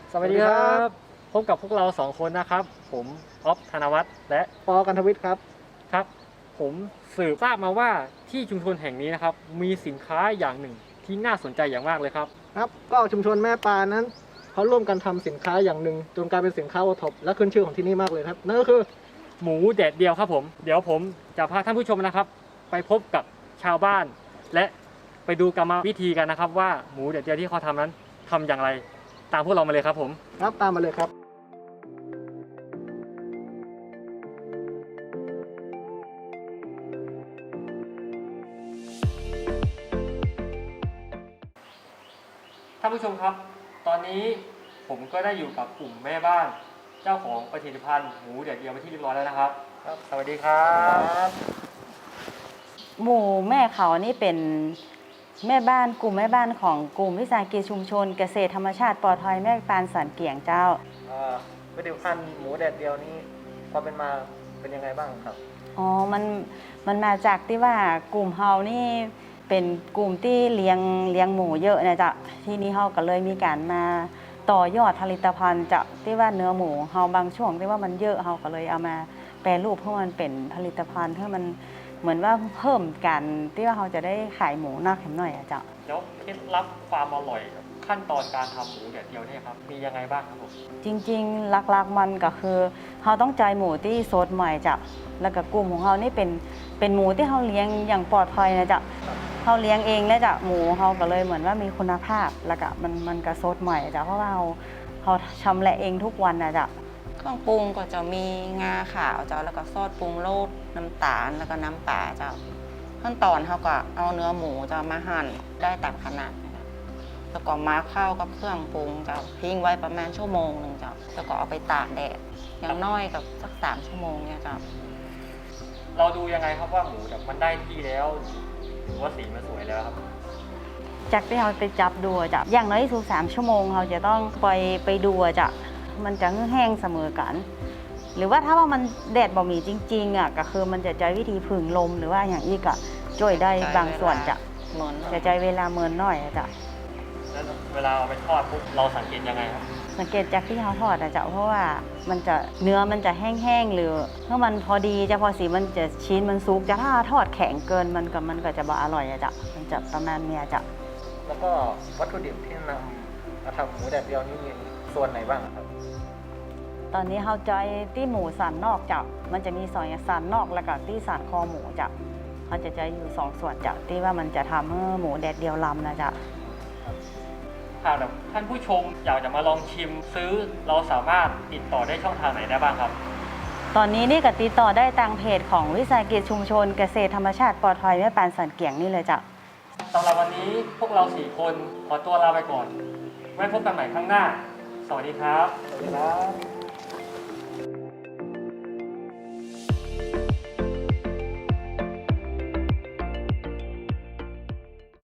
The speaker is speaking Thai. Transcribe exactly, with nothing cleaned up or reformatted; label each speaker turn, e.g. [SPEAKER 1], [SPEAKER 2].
[SPEAKER 1] สวัสดีครับพบกับพวกเราสองคนนะครับผมออฟธนวัฒน์และ
[SPEAKER 2] ปอกันทวิทย์ครับ
[SPEAKER 1] ครับผมสืบทราบมาว่าที่ชุมชนแห่งนี้นะครับมีสินค้าอย่างหนึ่งที่น่าสนใจอย่างมากเลยครับ
[SPEAKER 2] ครับก็ชุมชนแม่ปานนั้นเขาร่วมกันทำสินค้าอย่างหนึ่งจนกลายเป็นสินค้าโอท็อปและขึ้นชื่อของที่นี่มากเลยครับนั่นก็คือ
[SPEAKER 1] หมูแดดเดียวครับผมเดี๋ยวผมจะพาท่านผู้ชมนะครับไปพบกับชาวบ้าน และไปดูกรรมวิธีกันนะครับว่าหมูแดดเดียวที่เขาทำนั้นทำอย่างไรตามพวกเรามาเลยครับผม
[SPEAKER 2] ครับตามมาเลยครับ
[SPEAKER 1] ท่านผู้ชมครับ ตอนนี้ผมก็ได้อยู่กับกลุ่มแม่บ้านเจ้าของผลิตภัณฑ์หมูแดดเดียวไปที่เรียบร้อยแล้วนะครับครับ สวัสดีครับ
[SPEAKER 3] หมู่แม่เขานี่เป็นแม่บ้านกลุ่มแม่บ้านของกลุ่มวิสาหกิจชุมชนเกษตรธรรมชาติปลอดภัยแม่ปานสันเกียงเจ้า
[SPEAKER 2] ผลิตภัณฑ์หมูแดดเดียวนี้ความเป็นมาเป็นยังไงบ้างครับ
[SPEAKER 3] อ๋อมันมันมาจากที่ว่ากลุ่มเฮานี่เป็นกลุ่มที่เลี้ยงเลี้ยงหมูเยอะนะจ๊ะที่นี่เฮาก็เลยมีการมาต่อยอดผลิตภัณฑ์จากที่ว่าเนื้อหมูเฮาบางช่วงที่ว่ามันเยอะเฮาก็เลยเอามาแปรรูปเพื่อมันเป็นผลิตภัณฑ์เพื่อมันเหมือนว่าเพิ่มกันที่ว่าเราจะได้ขายหมูนักแข็งหน่อยอะเจ้า
[SPEAKER 1] แล้วเคล็ดลับความอร่อยขั้นตอนการทำหมูแดดเดียวเนี่ยครับมียังไงบ้างครับผม
[SPEAKER 3] จริงๆหลักๆมันก็คือเราต้องใจหมูที่สดใหม่จ้ะแล้วก็กลุ่มของเรานี่เป็นเป็นหมูที่เราเลี้ยงอย่างปลอดภัยนะจ๊ะเราเลี้ยงเองนะจ๊ะหมูเราก็เลยเหมือนว่ามีคุณภาพแล้วก็มันมันก็สดใหม่จ้ะเพราะว่าเราเราชำแหละเองทุกวันนะจ๊ะ
[SPEAKER 4] เครื่องปรุงก็จะมีงาขาวเจ้าแล้วก็ซอสปรุงรสน้ำตาลแล้วก็น้ำปลาเจ้าขั้นตอนเขาก็เอาเนื้อหมูจะมาหั่นได้ตามขนาดนะคะแล้วก็มาเข้ากับเครื่องปรุงเจ้าทิ้งไว้ประมาณชั่วโมงหนึ่งเจ้าแล้วก็เอาไปตากแดดอย่างน้อยกับสักสามชั่วโมงเนี่ยเจ้า
[SPEAKER 1] เราดูยังไงครับว่าหมูแบบมันได้ที่แล้วหรือว่าสีมันสวยแล้วครับ
[SPEAKER 3] จากที่เราไปจับดูจ้ะอย่างน้อยที่สุดสามชั่วโมงเราจะต้องไปไปดูจ้ะมันจะแห้งเสมอกันหรือว่าถ้าว่ามันแดดบ่มีจริงๆอ่ะก็คือมันจะใช้วิธีผึ่งลมหรือว่าอย่างอีกอ่ะช่วยได้บางส่วนจะจะใช้เวลาเมินน้อยจ้ะ
[SPEAKER 1] แล้วเวลาเอาไปทอดปุ๊บเราสังเกตยังไงครับ
[SPEAKER 3] สังเกตจากที่เขาทอดอะจ้ะเพราะว่ามันจะเนื้อมันจะแห้งๆหรือเมื่อมันพอดีจะพอสีมันจะชิ้นมันซุกจะถ้าทอดแข็งเกินมันก็มันก็จะบ่อร่อยอะจ้ะมันจะประมาณเนี้ยจ้ะ
[SPEAKER 2] แล้วก็วัตถุดิบที่นำมาทำหมูแดดเดียวนี้มีส่วนไหนบ้างครับ
[SPEAKER 3] ตอนนี้เขาใจที่หมูสันนอกจ้ะมันจะมีสองอย่างสันนอกแล้วก็ที่สันคอหมูจ้ะเขาจะใจอยู่สองส่วนจ้ะที่ว่ามันจะทำให้หมูแดดเดียวลำนะจ้ะ
[SPEAKER 1] ค่ะแบบท่านผู้ชมอยากจะมาลองชิมซื้อเราสามารถติดต่อได้ช่องทางไหนได้บ้างครับ
[SPEAKER 3] ตอนนี้นี่ก็ติดต่อได้ทางเพจของวิสาหกิจชุมชนเกษตรธรรมชาติปลอดภัยแม่ปานสันเกียงนี่เลยจ้ะ
[SPEAKER 1] สำหรับวันนี้พวกเราสี่คนขอตัวลาไปก่อนไว้พบกันใหม่ครั้งหน้าสวัสดีครับ
[SPEAKER 2] สวัสดีครับ